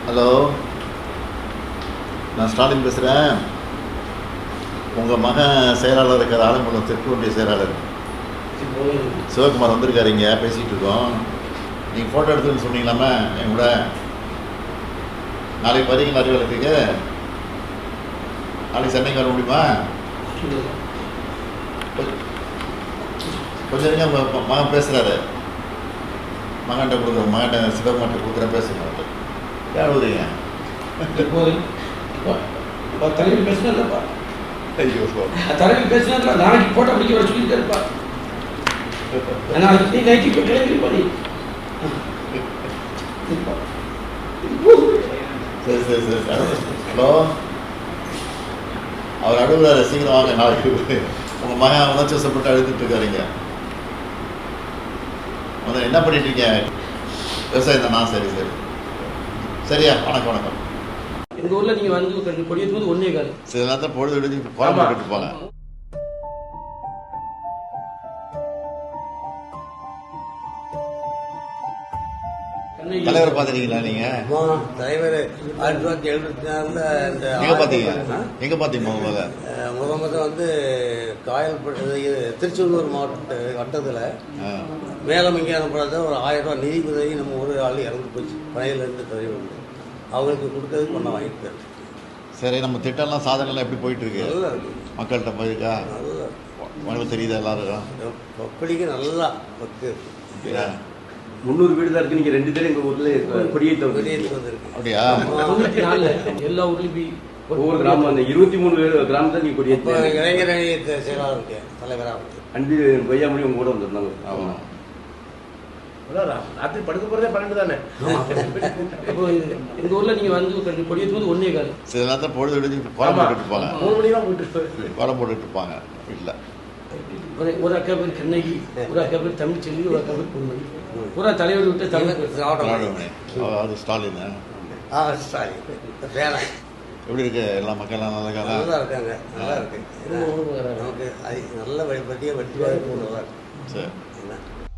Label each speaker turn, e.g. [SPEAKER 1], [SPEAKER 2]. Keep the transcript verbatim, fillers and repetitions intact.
[SPEAKER 1] Hello, நான் ஸ்டாலின் பேசுகிறேன். உங்கள் மகன் செயலாளர் இருக்கிற ஆலங்குளம் தெற்கு ஒன்றிய செயலாளர் சிவகுமார் வந்திருக்காரு. இங்கே பேசிகிட்டு இருக்கோம். நீங்கள் ஃபோட்டோ எடுத்துன்னு சொன்னீங்களாமே என் கூட. நாளைக்கு வரீங்களா அறிவாளத்துக்கு? நாளைக்கு சென்னைக்கு வர முடியுமா? கொஞ்சம் இருங்க. உங்கள் மகன் பேசுகிறாரு. மகன்கிட்ட கொடுக்குற மகன்கிட்ட சிவகுமார்கிட்ட கொடுக்குற பேசுங்க. ஏன் அழுகுறீங்க?
[SPEAKER 2] தலைவர் பேசினார்ப்பா.
[SPEAKER 1] ஐயோ,
[SPEAKER 2] தலைவர் பேசினா நாளைக்கு போட்டோ பிடிக்க வர சொல்லியிருக்காருப்பா. நாளைக்கு நீ நைட்டு இப்போ கிளம்பிருப்பா. நீ
[SPEAKER 1] சரி சரி சரி ஹலோ, அவர் அழுகுறாரு. சீக்கிரம் வாங்க. நாளைக்கு உங்கள் மகன் உணர்ச்சி வசப்பட்டு அழுதுட்டு இருக்காருங்க. வந்து என்ன பண்ணிட்டு இருக்கீங்க? விவசாயம் தானா? சரி சரி சரியா. வணக்கம் வணக்கம்.
[SPEAKER 2] எங்கள் ஊரில் நீங்கள் வந்து கொடியேற்றும் போது ஒன்றே காலம்
[SPEAKER 1] சில நேரத்தில் பொழுது விடுஞ்சு குழம்பு கட்டுப்பாங்க. தலைவரை பார்த்துட்டீங்களா நீங்க?
[SPEAKER 3] தலைவர் ஆயிரத்தி தொள்ளாயிரத்தி எழுபத்தி நாலுல இந்த
[SPEAKER 1] எங்க பாத்தீங்க? எங்க பாத்தீங்க முதல்ல?
[SPEAKER 3] முத முத வந்து காயல்பட்டு திருச்செந்தூர் மாவட்ட வட்டத்தில் மேலமங்கியானப்படாத ஒரு ஆயிரம் ரூபாய் நிதி உதவி நம்ம ஒரு ஆள் இறந்து போச்சு. பனையிலேருந்து தலைவர் அவங்களுக்கு கொடுத்ததுக்கு ஒன்றா வாங்கிட்டு.
[SPEAKER 1] சரி, நம்ம திட்டம்லாம் சாதனைலாம் எப்படி போயிட்டு இருக்கு?
[SPEAKER 3] நல்லா இருக்கு.
[SPEAKER 1] மக்கள்கிட்ட போயிருக்கா?
[SPEAKER 3] நல்லா
[SPEAKER 1] உங்களுக்கு தெரியுதா எல்லாருக்கும்?
[SPEAKER 3] பப்படிக்கு நல்லா பக்கு
[SPEAKER 4] முந்நூறு வீடு தான் இருக்கு. நீங்க ரெண்டு பேரும் எங்க ஊர்ல கொடியேற்ற
[SPEAKER 3] கொடியேற்றி வந்திருக்கு.
[SPEAKER 1] அப்படியா?
[SPEAKER 2] தொண்ணூற்றி நாலில் எல்லா ஊர்லேயும்
[SPEAKER 4] ஒவ்வொரு கிராமம் அந்த இருபத்தி மூணு கிராமத்தை நீங்க கொடியேற்ற
[SPEAKER 3] இளைஞர் அணி செயலாளர் இருக்கேன் தலைவராக.
[SPEAKER 4] அன்பு கொய்யாமொழி உங்க கூட வந்திருந்தாங்க.
[SPEAKER 1] ஆமாம்.
[SPEAKER 5] ராத்திரி படுக்க போறதே பன்னெண்டு தானே.
[SPEAKER 2] இப்போ எங்கள் ஊரில் நீங்கள் வந்து கொடியேற்றும் போது ஒன்றே காலம்
[SPEAKER 1] சில நேரத்தில் பொழுது விடுஞ்சு குழம்பு கட்டுப்பாங்க.
[SPEAKER 5] மூணு மணி தான் போயிட்டு
[SPEAKER 1] குழம்பு போட்டுட்டு இருப்பாங்க வீட்டில்.
[SPEAKER 2] ஒரு ஒரு அக்கா பேர் கண்ணகி, ஒரு அக்கா பேர் தமிழ்ச்செல்வி, ஒரு அக்கா பேர் பொன்மணி. பூரா தலைவர் விட்டு தமிழ்
[SPEAKER 1] அது ஸ்டாலின்.
[SPEAKER 3] ஆ ஸ்டாலின் வேலை
[SPEAKER 1] எப்படி இருக்கு? எல்லா மக்கள்லாம் நல்லா இருக்காங்க.
[SPEAKER 3] நல்லா இருக்காங்க. நல்லா இருக்கு. நமக்கு அது நல்ல வழிபட்டியாக வெற்றி வாய்ப்பு நல்லா இருக்கு.
[SPEAKER 1] சரி.